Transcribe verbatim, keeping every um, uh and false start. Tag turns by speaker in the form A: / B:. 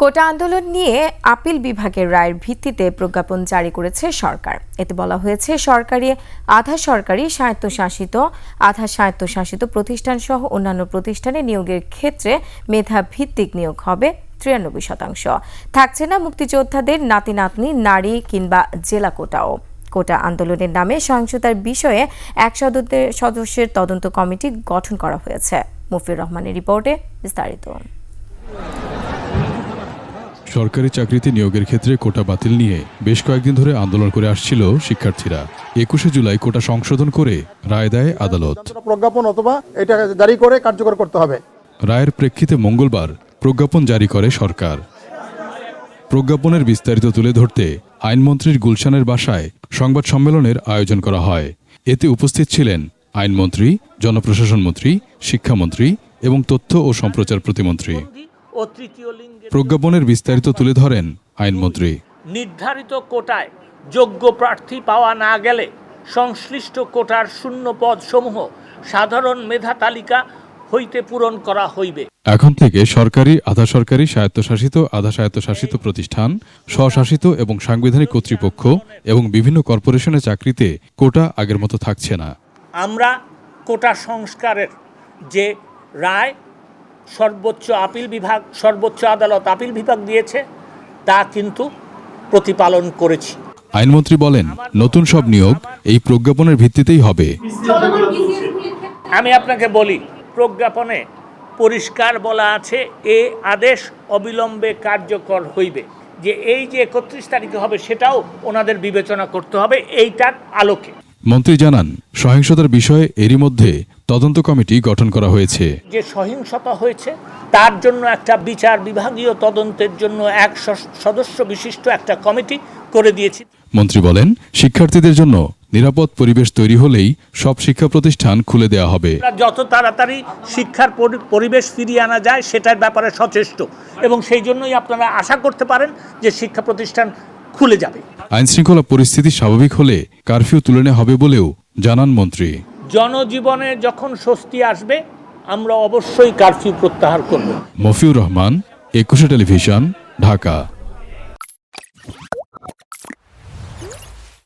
A: কোটা আন্দোলন নিয়ে আপিল বিভাগের রায়ের ভিত্তিতে প্রজ্ঞাপন জারি করেছে সরকার। এতে বলা হয়েছে, সরকারি, আধা সরকারি, স্বায়ত্তশাসিত, আধা স্বায়ত্তশাসিত প্রতিষ্ঠান সহ অন্যান্য প্রতিষ্ঠানে নিয়োগের ক্ষেত্রে মেধা ভিত্তিক নিয়োগ হবে তিরানব্বই শতাংশ। থাকছে না মুক্তিযোদ্ধাদের নাতি নাতনি, নারী কিংবা জেলা কোটাও। কোটা আন্দোলনের নামে সহিংসতার বিষয়ে এক সদস্যের তদন্ত কমিটি গঠন করা হয়েছে। মফিউর রহমানের রিপোর্টে বিস্তারিত।
B: সরকারি চাকরিতে নিয়োগের ক্ষেত্রে কোটা বাতিল নিয়ে বেশ কয়েকদিন ধরে আন্দোলন করে আসছিল শিক্ষার্থীরা। একুশে জুলাই কোটা সংশোধন করে রায় দেয় আদালত।
C: প্রজ্ঞাপন অথবা এটা জারি করে কার্যকর করতে হবে।
B: রায়ের প্রেক্ষিতে মঙ্গলবার প্রজ্ঞাপন জারি করে সরকার। প্রজ্ঞাপনের বিস্তারিত তুলে ধরতে আইনমন্ত্রীর গুলশানের বাসায় সংবাদ সম্মেলনের আয়োজন করা হয়। এতে উপস্থিত ছিলেন আইনমন্ত্রী, জনপ্রশাসন মন্ত্রী, শিক্ষামন্ত্রী এবং তথ্য ও সম্প্রচার প্রতিমন্ত্রী। প্রজ্ঞাপনের বিস্তারিত তুলে ধরেন আইনমন্ত্রী।
D: নির্ধারিত কোটায় যোগ্য প্রার্থী পাওয়া না গেলে সংশ্লিষ্ট কোটার শূন্য পদ সমূহ সাধারণ মেধা তালিকা হইতে পূরণ করা হইবে।
B: এখন থেকে সরকারি, আধা সরকারি, স্বায়ত্তশাসিত, আধা স্বায়ত্তশাসিত প্রতিষ্ঠান, স্বশাসিত এবং সাংবিধানিক কর্তৃপক্ষ এবং বিভিন্ন কর্পোরেশনের চাকরিতে কোটা আগের মতো থাকছে না।
D: আমরা কোটা সংস্কারের যে রায় সর্বোচ্চ আপিল বিভাগ, সর্বোচ্চ আদালত আপিল বিভাগ দিয়েছে তা কিন্তু প্রতিপালন করেছি।
B: আইনমন্ত্রী বলেন, নতুন সব নিয়োগ এই প্রজ্ঞাপনের ভিত্তিতেই হবে।
D: আমি আপনাকে বলি, প্রজ্ঞাপনে পরিষ্কার বলা আছে, এ আদেশ অবিলম্বে কার্যকর হইবে। যে এই যে একত্রিশ তারিখে হবে সেটাও ওনাদের বিবেচনা করতে হবে এইটার আলোকে।
B: মন্ত্রী জানান, সহিংসতার বিষয়ে এরই মধ্যে তদন্ত কমিটি গঠন করা হয়েছে।
D: যে সহিংসতা হয়েছে তার জন্য একটা বিচার বিভাগীয় তদন্তের জন্য এক সদস্য বিশিষ্ট একটা কমিটি করে দিয়েছি।
B: মন্ত্রী বলেন, শিক্ষার্থীদের জন্য নিরাপদ পরিবেশ তৈরি হলেই সব শিক্ষা প্রতিষ্ঠান খুলে দেওয়া হবে।
D: যত তাড়াতাড়ি শিক্ষার পরিবেশ ফিরিয়ে আনা যায় সেটার ব্যাপারে সচেষ্ট, এবং সেই জন্যই আপনারা আশা করতে পারেন যে শিক্ষা প্রতিষ্ঠান খুলে যাবে।
B: আইনশৃঙ্খলা পরিস্থিতি স্বাভাবিক হলে কারফিউ তুলে নেওয়া হবে বলেও জানান মন্ত্রী।
D: জনজীবনে যখন স্বস্তি আসবে আমরা অবশ্যই কারফিউ প্রত্যাহার করব।
B: মফিউর রহমান, একুশে টেলিভিশন, ঢাকা।